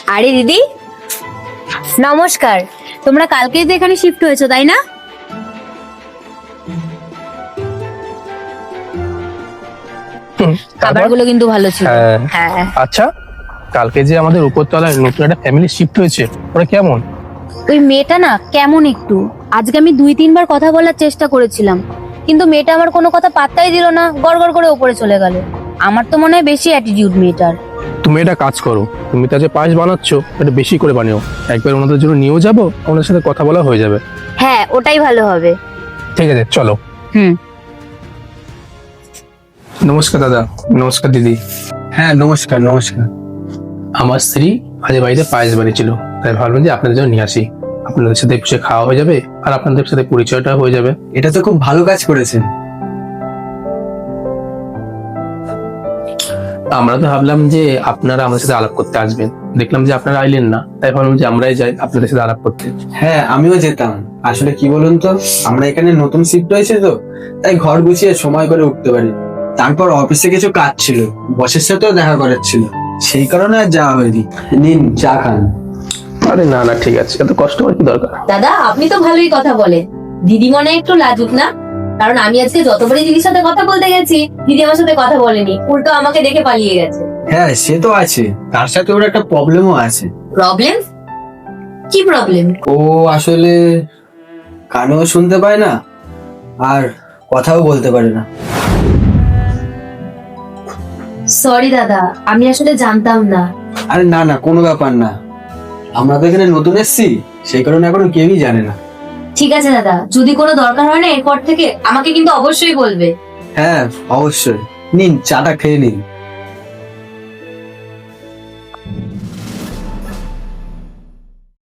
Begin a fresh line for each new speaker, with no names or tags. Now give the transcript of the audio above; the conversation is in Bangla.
আরে দিদি নমস্কার, তোমরা কালকেই তো এখানে শিফট হয়েছো তাই না? খাবারগুলো কিন্তু ভালো ছিল। হ্যাঁ।
আচ্ছা, কালকে যে আমাদের উপরতলায় নতুন একটা ফ্যামিলি শিফট হয়েছে, ওরা কেমন?
ওই মেয়েটা না কেমন একটু, আজকে আমি 2-3 বার কথা বলার চেষ্টা করেছিলাম, কিন্তু মেয়েটা আমার কোনো কথা পাত্তাই দিল না, গড়গড় করে উপরে চলে গেল। আমার তো মনে হয় বেশি অ্যাটিটিউড মেয়েটার।
তুমি এটা কাজ করো, তুমি তা যে পায়েস বানাচ্ছ এটা বেশি করে বানিও, একবার ওনাদের জন্য নিয়েও যাবো, ওনাদের সাথে কথা বলা হয়ে যাবে।
হ্যাঁ, ওটাই ভালো হবে।
ঠিক আছে, চলো।
হুম।
নমস্কার দাদা। নমস্কার দিদি।
হ্যাঁ, নমস্কার নমস্কার।
আমার স্ত্রী আজ বাড়িতে পায়েস বানিয়েছিল, তাই ভাবলাম যে আপনাদের জন্য নিয়ে আসি। আপনাদের সাথে বসে খাওয়া হয়ে যাবে আর আপনাদের সাথে পরিচয়টা হয়ে যাবে।
এটা তো খুব ভালো কাজ করেছেন।
আমরা তো ভাবলাম যে আপনারা আমাদের সাথে আলাপ করতে আসবেন, দেখলাম যে আপনারা আইলেন না, তাই ভাবলাম যে আমরাই যাই আপনাদের সাথে আলাপ করতে।
হ্যাঁ, আমিও যেতাম। আসলে কি বলুন তো, আমরা এখানে নতুন শিফট হয়েছে তো, তাই ঘর গুছিয়ে সময় করে উঠতে পারি। তারপর অফিসে কিছু কাজ ছিল, বসের সাথেও দেখা করার ছিল, সেই কারণে আর যাওয়া হয়নি। নিন, চা খান।
আরে না না, ঠিক আছে, এত কষ্ট হওয়ার কি দরকার।
দাদা আপনি তো ভালোই কথা বলেন, দিদি মনে হয় একটু লাজুক না? কারণ আমি আজকে যতবারই দিদির সাথে কথা বলতে গেছি, দিদি আমার সাথে কথা বলেনি, উল্টো আমাকে দেখে পালিয়ে গেছে।
হ্যাঁ, সে তো আছে, তার সাথে ওর একটা প্রবলেমও আছে।
প্রবলেম? কি প্রবলেম?
ও আসলে কানেও শুনতে পায় না আর কথাও বলতে পারে না।
সরি দাদা, আমি আসলে জানতাম না।
আরে না না, কোনো ব্যাপার না। আমরা তো এখানে নতুন এসেছি, সেই কারণে এখনো কেউই জানে না।
ঠিক আছে দাদা, যদি কোনো দরকার হয় না এরপর থেকে আমাকে কিন্তু অবশ্যই বলবে।
হ্যাঁ, অবশ্যই। নিন, চাটা খেয়ে নিন।